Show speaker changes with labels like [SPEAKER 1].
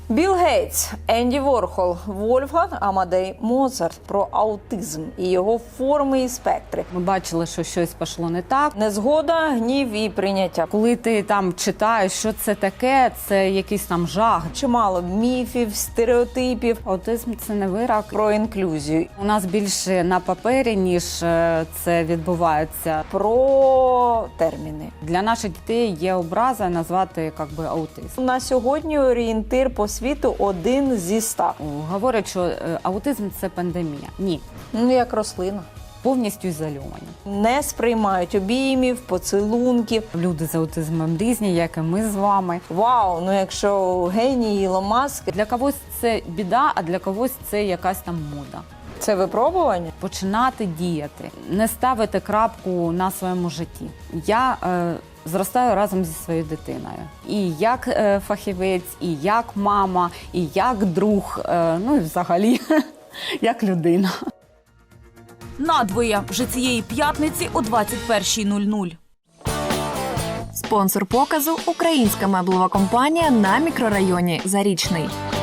[SPEAKER 1] Білл Гейтс, Енді Ворхол, Вольфганг Амадей Моцарт про аутизм і його форми і спектри.
[SPEAKER 2] Ми бачили, що щось пішло не так.
[SPEAKER 1] Незгода, гнів і прийняття.
[SPEAKER 2] Коли ти там читаєш, що це таке, це якийсь там жах.
[SPEAKER 1] Чимало міфів, стереотипів
[SPEAKER 2] Аутизм – це не вирок.
[SPEAKER 1] про інклюзію,
[SPEAKER 2] У нас більше на папері, ніж це відбувається.
[SPEAKER 1] про терміни.
[SPEAKER 2] Для наших дітей є образа назвати аутизм.
[SPEAKER 1] На сьогодні орієнтир по світу 1 зі 100.
[SPEAKER 2] Говорять, що аутизм – це пандемія. Ні,
[SPEAKER 1] Ну, як рослина.
[SPEAKER 2] повністю ізольовані.
[SPEAKER 1] Не сприймають обіймів, поцілунків.
[SPEAKER 2] Люди з аутизмом різні, як і ми з вами.
[SPEAKER 1] Вау, ну якщо геній Ілон Маск,
[SPEAKER 2] Для когось це біда, а для когось це якась там мода.
[SPEAKER 1] це випробування.
[SPEAKER 2] Починати діяти, не ставити крапку на своєму житті. Я зростаю разом зі своєю дитиною. І як фахівець, і як мама, і як друг, ну і взагалі, як людина.
[SPEAKER 3] Надвоє вже цієї п'ятниці о 21:00.
[SPEAKER 4] Спонсор показу – українська меблева компанія на мікрорайоні Зарічний.